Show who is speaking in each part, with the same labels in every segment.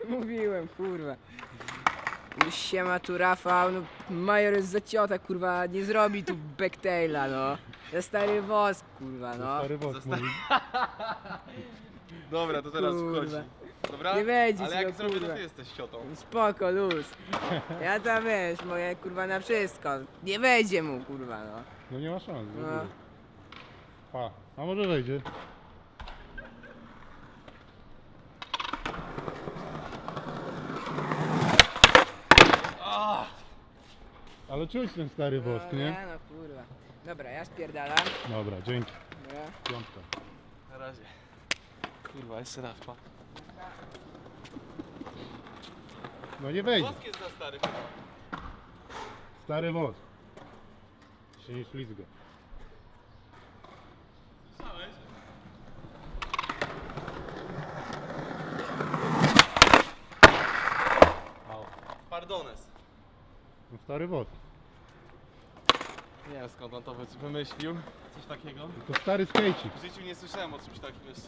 Speaker 1: Mówiłem, kurwa. Siema tu Rafał, no major jest za ciota, kurwa, nie zrobi tu backtaila, no. Za stary wosk, kurwa, no.
Speaker 2: Stary wosk mówi.
Speaker 3: Dobra, to teraz
Speaker 1: Kurwa.
Speaker 3: wchodzi. Dobra?
Speaker 1: Nie wejdzie
Speaker 3: Ale
Speaker 1: ci,
Speaker 3: jak
Speaker 1: no,
Speaker 3: zrobię, to
Speaker 1: kurwa.
Speaker 3: ty jesteś ciotą.
Speaker 1: Spoko, luz. Ja tam wiesz, moje kurwa na wszystko. Nie wejdzie mu, kurwa, no.
Speaker 2: No nie ma szans. w
Speaker 1: No.
Speaker 2: ogóle. Pa. A może wejdzie? Ale czuć ten stary wosk,
Speaker 1: No,
Speaker 2: nie?
Speaker 1: no kurwa. Dobra, ja spierdalam.
Speaker 2: Dobra, dzięki.
Speaker 1: Dobra.
Speaker 2: Piątka.
Speaker 3: Na razie. Kurwa, jeszcze raz, pa.
Speaker 2: No nie wejdzie.
Speaker 3: Wosk jest za stary.
Speaker 2: Stary wosk. Się nie ślizga.
Speaker 3: Słyszałeś?
Speaker 2: Au.
Speaker 3: Pardones.
Speaker 2: No stary wosk.
Speaker 3: Nie wiem skąd on to wymyślił. Coś takiego.
Speaker 2: To stary skejcik.
Speaker 3: W życiu nie słyszałem o czymś takim jeszcze.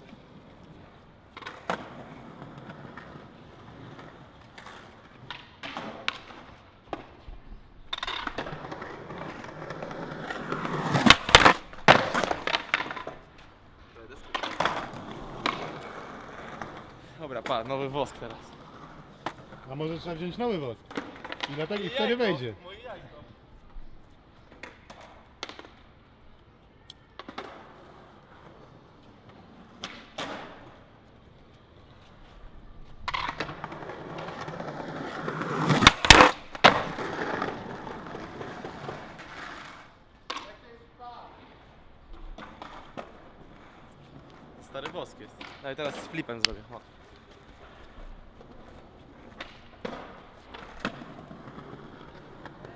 Speaker 3: Dobra, pa, nowy wosk teraz.
Speaker 2: A może trzeba wziąć nowy wosk? I dlatego i wtedy wejdzie.
Speaker 3: Moje jajko. Stary wosk jest. No i teraz z flipem zrobię. O.